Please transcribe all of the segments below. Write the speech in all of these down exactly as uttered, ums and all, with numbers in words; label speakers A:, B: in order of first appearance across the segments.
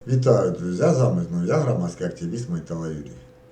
A: Вітаю, друзі! З вами знову я, громадський активіст Майтала Юрій.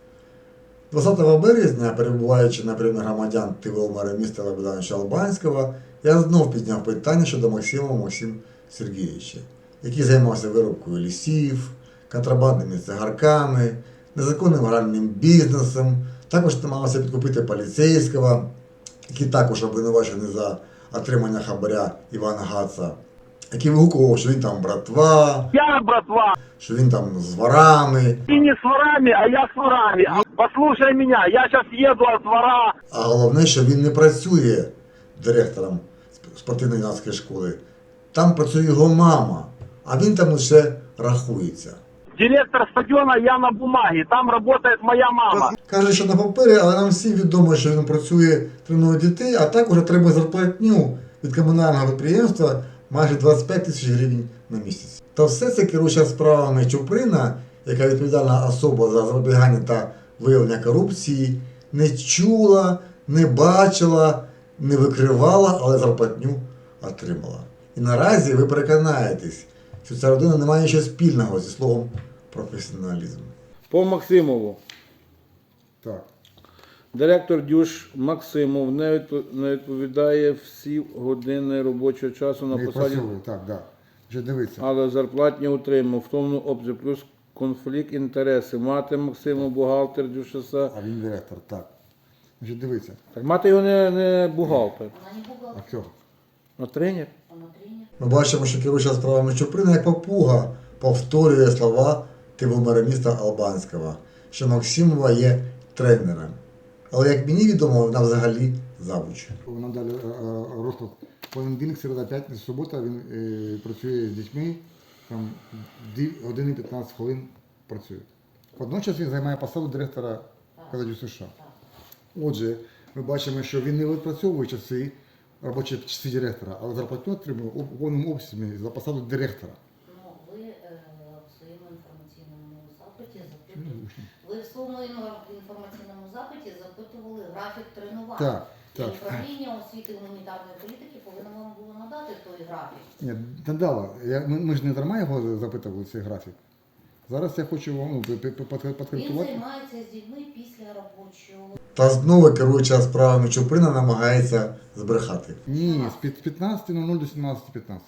A: двадцятого березня, перебуваючи на прийомі громадян ТВО мера міста Лебедановича Албанського, я знов підняв питання щодо Максима Максима Сергійовича, який займався вирубкою лісів, контрабандними цигарками, незаконним гральним бізнесом, також намагався підкупити поліцейського, який також обвинувачений за отримання хабаря Івана Гаца, який вигукував, що він там братва,
B: Я братва,
A: що він там з ворами.
B: ты не с ворами, а я с ворами. Послушай меня, я сейчас еду от двора.
A: А головне, що він не працює директором спортивно-юнацької школи. Там працює його мама, а він там лише рахується.
B: Директор стадиона я на бумаге, там работает моя мама.
A: Каже, що на папері, але нам всім відомо, що він працює, тренує дітей, а також отримує зарплатню від комунального підприємства майже двадцять п'ять тисяч гривень на місяць. Та все це керуюча справами Чуприна, яка відповідальна особа за запобігання та виявлення корупції, не чула, не бачила, не викривала, але зарплатню отримала. І наразі ви переконаєтесь, що ця родина не має нічого спільного зі словом професіоналізм.
C: По Максимову.
A: Так.
C: Директор Дюш Максимов не відпо- не відповідає всі години робочого часу на
D: Не
C: посаді,
D: працює, так, так. Вже дивіться.
C: але зарплатні отримав в тому обсязі, плюс конфлікт інтересів. Мати Максимов, бухгалтер Дюшеса.
D: А він директор, так. Вже дивіться.
C: Так мати його не, не бухгалтер,
E: Она не бухгалтер,
D: А хто?
C: а тренер.
E: она тренер.
A: Ми бачимо, що керуюча справами Чуприна як папуга повторює слова ТВО мера міста Албанського, що Максимова є тренером. Але як мені відомо, вона взагалі завуч.
D: Нам дали е, е, розклад. Понеділок, середа, п'ятниця, субота він е, працює з дітьми, там дві години п'ятнадцять хвилин працює. Водночас він займає посаду директора Кададю США. Отже, ми бачимо, що він не відпрацьовує часи, робочі часи директора, але зарплатню отримує у повному обсязі за посаду директора.
E: Ну, ви е, в своєму інформаційному запиті запитували, ви в своєму інфор- інформаційному запиті запитували графік тренувань.
D: Так,
E: І
D: так.
E: управління освіти і гуманітарної політики повинно вам було надати той графік.
D: Ні, надала. Я, ми, ми ж не дарма його запитували цей графік. Зараз я хочу вам ну, пи- пи- пи-
E: Він
D: підкоректувати.
E: займається з дітьми після робочого.
A: Та знову керуюча справами Чуприна намагається збрехати.
D: Ні, з під- з п'ятнадцяти нуль нуль до сімнадцяти п'ятнадцять.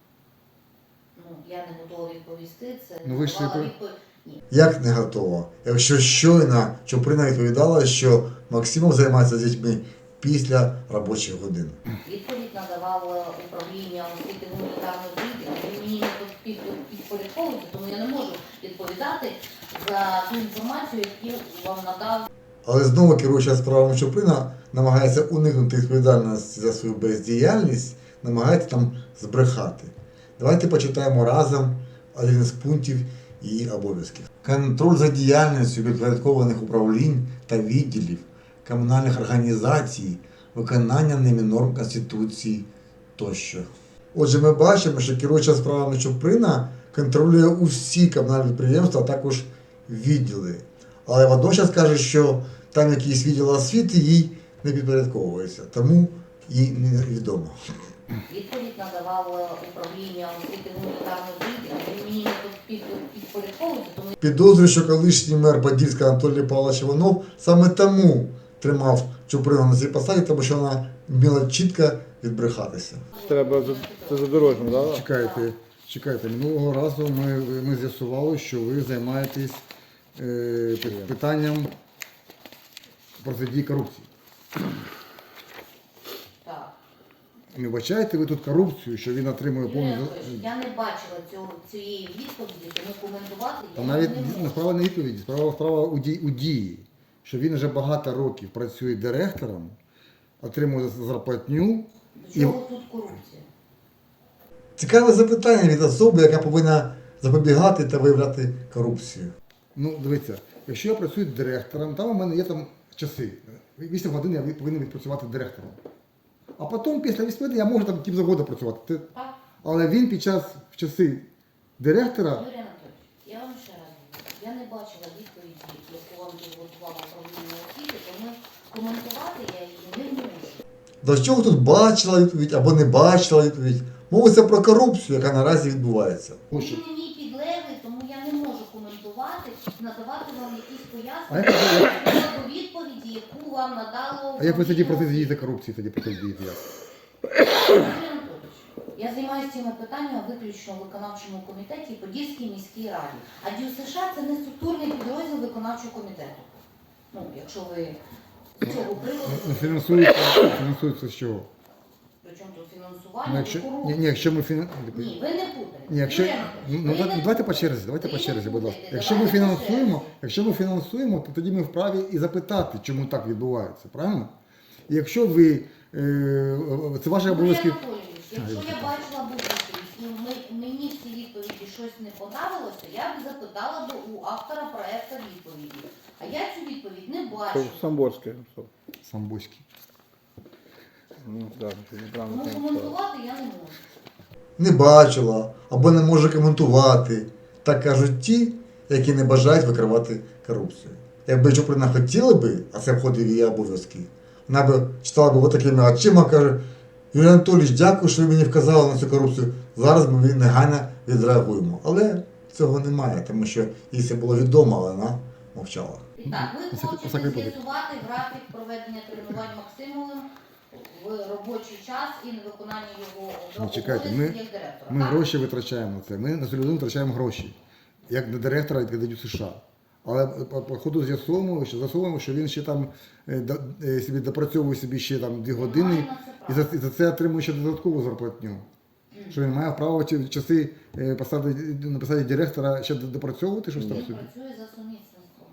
E: Ну, я не готова відповісти, це
D: Ну, ви ж
E: давала
D: не-
E: відповідь. Ні.
A: Як не готова? Якщо щойно Чуприна відповідала, що Максимов займається з дітьми після робочих годин.
E: Відповідь надавало управління освіти і гуманітарної політики. Ви мені не під- під- підпорядковуєте, тому я не можу відповідати за ту інформацію, яку вам надав.
A: Але знову керуюча справами Чуприна намагається уникнути відповідальності за свою бездіяльність, намагається там збрехати. Давайте почитаємо разом один із пунктів її обов'язків. Контроль за діяльністю підпорядкованих управлінь та відділів, комунальних організацій, виконання ними норм Конституції тощо. Отже, ми бачимо, що керуюча справами Чуприна контролює усі комунальні підприємства, а також відділи. Але водночас каже, що там якийсь відділ освіти їй не підпорядковується, тому їй невідомо.
E: Відповідь надавало управління освіти і гуманітарної політики. Ви мені не під- під- підпорядковуєте, тому
A: Підозрюю, що колишній мер Подільська Анатолій Павлович Іванов саме тому тримав Чуприну на цій посаді, тому що вона вміла чітко відбрехатися.
C: Треба за, це задорожно, так?
D: Чекайте, чекайте. Минулого разу ми, ми з'ясували, що ви займаєтесь е, пи- питанням протидії корупції.
E: так.
D: Не вбачаєте ви тут корупцію, що він отримує
E: Юрій
D: повну...
E: Анатолійович, я не бачила цього, цієї відповіді, тому коментувати
D: Та
E: я
D: навіть
E: не
D: не
E: можу.
D: справа не відповіді, справа, справа у, дії, у дії, що він вже багато років працює директором, отримує зарплатню.
E: До чого тут корупція?
A: Цікаве запитання від особи, яка повинна запобігати та виявляти корупцію.
D: Ну, дивіться, якщо я працюю директором, там у мене є там часи. вісім годин я від- повинен відпрацювати директором. А потім, після вісім годин, я можу там ким завгодно працювати. Це-
E: Так.
D: Але він під час в часи директора,
E: Юрій Анатолійович, я вам ще раз говорю, я не бачила відповіді, яку вам підготувало управління освіти, тому коментувати я її не можу.
A: До чого тут бачила відповідь або не бачила відповідь? Мовиться про корупцію, яка наразі відбувається.
D: ось що-
E: Він мені підлеглий, тому я надавати вам якісь
D: А як
E: пояснення щодо відповіді, яку вам надало.
D: А як ви тоді
E: управління
D: протидієте корупції, тоді протидієте як?
E: Анатолій Анатолійович, я займаюся цими питаннями виключно в виконавчому комітеті і Подільській міській раді. А ДЮСШ це не структурний підрозділ виконавчого комітету. Ну, якщо ви з цього приводу,
D: Ну, фінансується, фінансується з чого?
E: причому тут
D: Ну,
E: фінансування,
D: якщо,
E: до
D: ні,
E: корупції.
D: ні, якщо ми фіна...
E: Ні, ви не путаєте.
D: Ні, якщо,
E: Юрій
D: ну,
E: Анатолійович,
D: ну,
E: ви не
D: давайте по
E: путаєте.
D: черзі, давайте
E: Ви
D: по
E: не
D: черзі, будь ласка.
E: путаєте.
D: Якщо ми
E: Давайте по
D: фінансуємо,
E: черзі.
D: якщо ми фінансуємо, то тоді ми вправі і запитати, чому так відбувається, правильно? І якщо ви, е, це ваші
E: Юрій
D: обов'язки.
E: Анатолійович, якщо
D: А,
E: я бачила б відповідь і ми- мені в цій відповіді щось не подобалося, я б запитала б у автора проекту відповіді. А я цю відповідь не
C: Це
E: бачу.
C: Самборське. написав.
D: Самбузький.
C: Ну, так, що неправильно
E: Тому
C: там написав.
E: коментувати я не можу.
A: Не бачила або не може коментувати. Так кажуть ті, які не бажають викривати корупцію. Якби Чуприна хотіла би, а це входить в її обов'язки, вона б читала б отакими очима, каже: Юрій Анатолійович, дякую, що ви мені вказали на цю корупцію. Зараз ми негайно відреагуємо. Але цього немає, тому що їй це було відомо, але вона мовчала.
E: І так, ви
D: Осак-
E: хочете
D: Осак випадок.
E: з'ясувати графік проведення тренувань Максимовим в робочий час і невиконання його
D: Ну, чекайте,
E: обов'язків
D: ми-
E: як директора.
D: Ми
E: так?
D: гроші витрачаємо на це. Ми на цю людину витрачаємо гроші. Як на директора і дають США. Але по, по ходу з'ясовуємо, що з'ясовуємо, що він ще там е, до- е, собі допрацьовує собі ще там дві години
E: Немає на це
D: і за, і за це отримує ще додаткову зарплатню. Що він має право ті часи е, посади, на посаді директора ще допрацьовувати щось там
E: Він
D: собі.
E: працює за сумісництвом.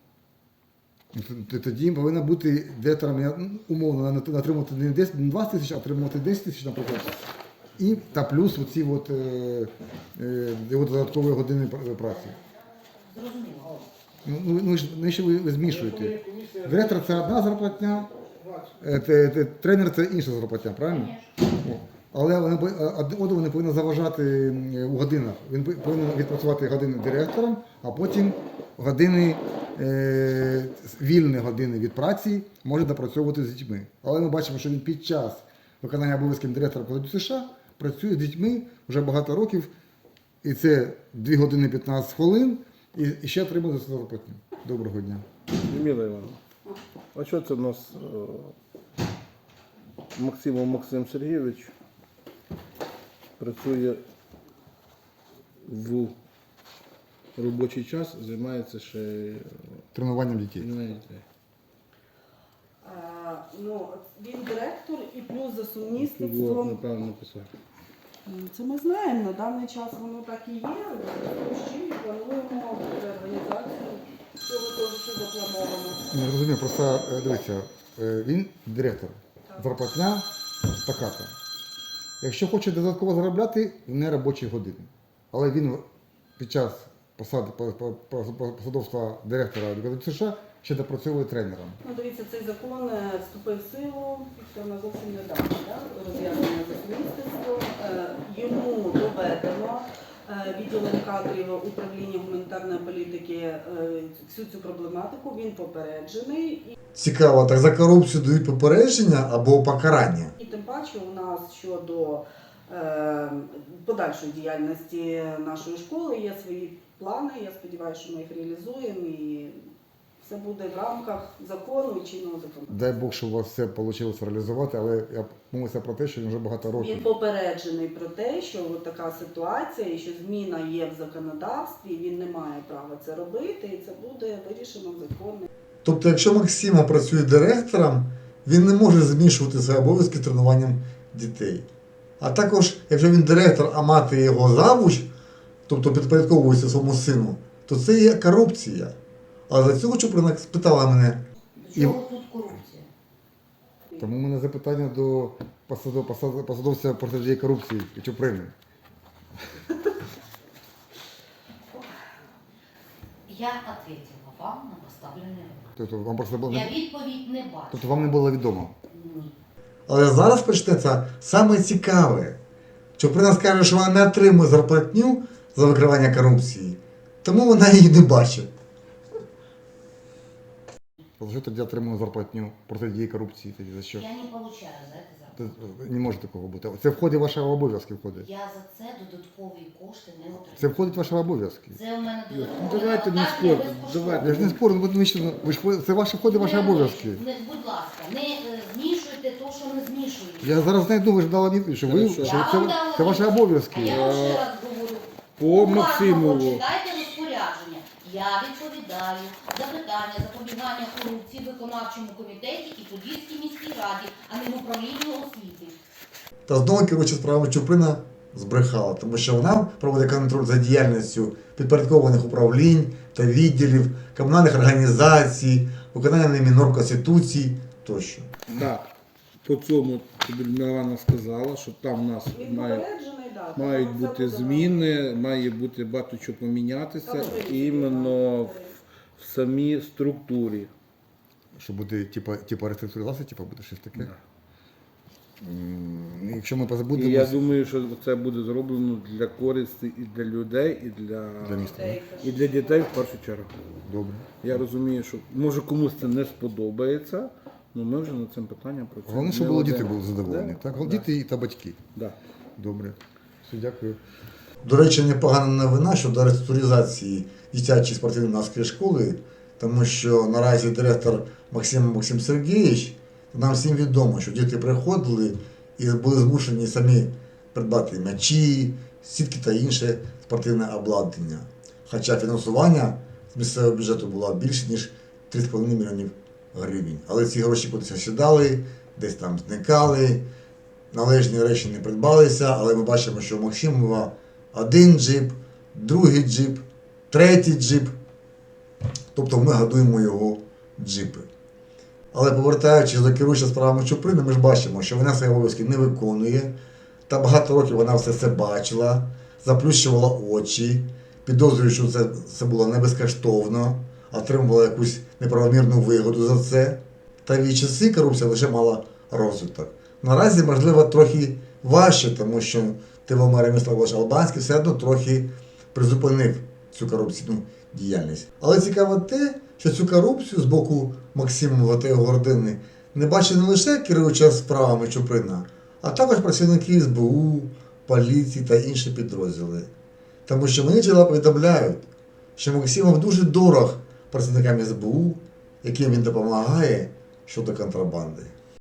D: Ну, т- Тоді повинна бути директором, я, ну, умовно, на- на- отримувати не десять, не двадцять тисяч, а отримувати десять тисяч, наприклад. І та плюс оці от, е, е, його додаткові години пр- праці.
E: Зрозуміло.
D: Ну, ну, ну, ж- ну, що ви, ви змішуєте? Директор це одна зарплатня, е, те- те- тренер це інша зарплатня, правильно? О. Але вони, пов- а- один одному не повинні заважати е, у годинах. Він пов- повинен відпрацювати години директором, а потім години, е, вільні години від праці може допрацьовувати з дітьми. Але ми бачимо, що він під час виконання обов'язків директора Кодексу США працює з дітьми вже багато років, і це дві години п'ятнадцять хвилин, і, і ще отримує за це зарплатню. Доброго дня.
C: Людмила Івановна, а що це в нас е, Максимов Максим Сергійович працює в робочий час, займається ще е,
D: Тренуванням дітей.
C: тренуванням дітей.
F: Е, Ну, він директор і плюс за
C: Тут було
F: сумісництвом.
C: неправильно написав.
F: Ну, Це ми знаємо, на даний час воно так і є. З чим плануємо реорганізацію цього того, що заплановано.
D: Не розумію, просто е, дивіться, е, він директор. Зарплатня така-то. Якщо хоче додатково заробляти, не робочі години. Але він під час посади по- по- по- по- посадовства директора Кодексу США ще допрацьовує тренером.
F: Ну, дивіться, цей закон е, вступив в силу на зовсім недавно, да? Роз'яснення за сумісництвом. Е, Йому доведено е, відділом кадрів управління гуманітарної політики е, всю цю проблематику. Він попереджений. І
A: Цікаво, так за корупцію дають попередження або покарання.
F: І тим паче у нас щодо е, подальшої діяльності нашої школи є свої плани. Я сподіваюся, що ми їх реалізуємо і все буде в рамках закону і чинного закону.
D: Дай Бог, що у вас все вийшло реалізувати, але я мовився про те, що він вже багато
F: Він
D: років.
F: попереджений про те, що от така ситуація і що зміна є в законодавстві, він не має права це робити, і це буде вирішено в законі.
A: Тобто, якщо Максима працює директором, він не може змішувати свої обов'язки з тренуванням дітей. А також, якщо він директор, а мати його завуч, тобто підпорядковується своєму сину, то це є корупція. А за цього Чуприна спитала мене,
E: До чого тут корупція?
D: Тому у мене запитання до посадов- посад- посадовця протидії корупції Чуприни.
E: Я ответила вам на поставлений вопрос.
D: Тобто вам просто було
E: Я
D: не...
E: відповідь не бачу.
D: тобто вам не було відомо.
E: Ні.
A: але зараз почнеться саме цікаве. Чуприна скаже, що вона не отримує зарплатню за викривання корупції, тому вона її не бачить.
D: За що тоді отримує зарплатню протидії корупції? Тоді за що?
E: Я не получаю за это зарплату.
D: Це не може такого бути. Це входить в ваші обов'язки. Входить.
E: Я за це додаткові кошти не отримую.
D: Це входить в ваші обов'язки.
E: Це у мене
C: Ну,
E: додаткові
C: давайте не
E: навантаження
C: спорте,
E: безкоштовно.
C: давайте.
D: Я ж не спорю, ну, ви ж- ви ж входите- це ваші входить в ваші
E: Не-
D: обов'язки.
E: Не, будь ласка, не е, змішуйте то, що не змішуєте.
D: Я зараз знайду, ви ж дала відповідь, що ви
C: Хорошо.
D: що
E: Я
D: це,
E: вам дала
D: це ваші
E: відповідь.
D: обов'язки.
E: А я вам ще раз говорю.
C: По
E: Уважно
C: Максимову.
E: почитайте розпорядження. Я відповідаю за питання запобігання корупції в виконавчому комітеті і Подільській міській раді, а не в управлінні освіти.
A: Та знову керуюча справами Чуприна збрехала, тому що вона проводить контроль за діяльністю підпорядкованих управлінь та відділів, комунальних організацій, виконання ними норм Конституції тощо.
C: Так, по цьому тобі Мілана сказала, що там у нас
F: Він
C: мають,
F: попереджений, да,
C: мають
F: там
C: бути
F: все
C: зміни, має бути багато чого помінятися
F: Там буде
C: іменно в,
F: зміни.
C: в самій структурі.
D: Що буде, типа, типа реструктуризація, типа буде щось таке.
C: Да.
D: М, Якщо ми
C: І
D: позабудемо
C: я думаю, що це буде зроблено для користі і для людей, і для,
D: для міста.
F: Дітей,
C: і для дітей в першу чергу.
D: Добре.
C: Я розумію, що може комусь це не сподобається, але ми вже над цим питанням працюємо.
D: Головне, щоб
C: не
D: було
C: один
D: діти
C: раз.
D: були задоволені.
C: Да?
D: Так?
C: Да.
D: Діти та батьки.
C: Да.
D: Добре. Все, дякую.
A: До речі, непогана новина щодо реструктуризації дитячої спортивно-юнацької школи, тому що наразі директор Максим Максим Сергійович, нам всім відомо, що діти приходили і були змушені самі придбати м'ячі, сітки та інше спортивне обладнання. Хоча фінансування з місцевого бюджету було більше, ніж три з половиною мільйонів гривень. Але ці гроші кудись осідали, десь там зникали, належні речі не придбалися, але ми бачимо, що у Максимова один джип, другий джип, третій джип. Тобто ми годуємо його джипи. Але повертаючись до керуючого справами Чуприни, ми ж бачимо, що вона свої обов'язки не виконує. Та багато років вона все це бачила, заплющувала очі, підозрює, що це, це було не безкоштовно, отримувала якусь неправомірну вигоду за це. Та в її часи корупція лише мала розвиток. Наразі, можливо, трохи важче, тому що Тивомир Міславович Албанський все одно трохи призупинив цю корупційну діяльність. Але цікаво те, що цю корупцію з боку Максимова та його родини не бачить не лише керуюча справами Чуприна, а також працівники ес бе у, поліції та інші підрозділи. Тому що мені джерела повідомляють, що Максимов дуже дорог працівникам ес бе у, яким він допомагає щодо контрабанди.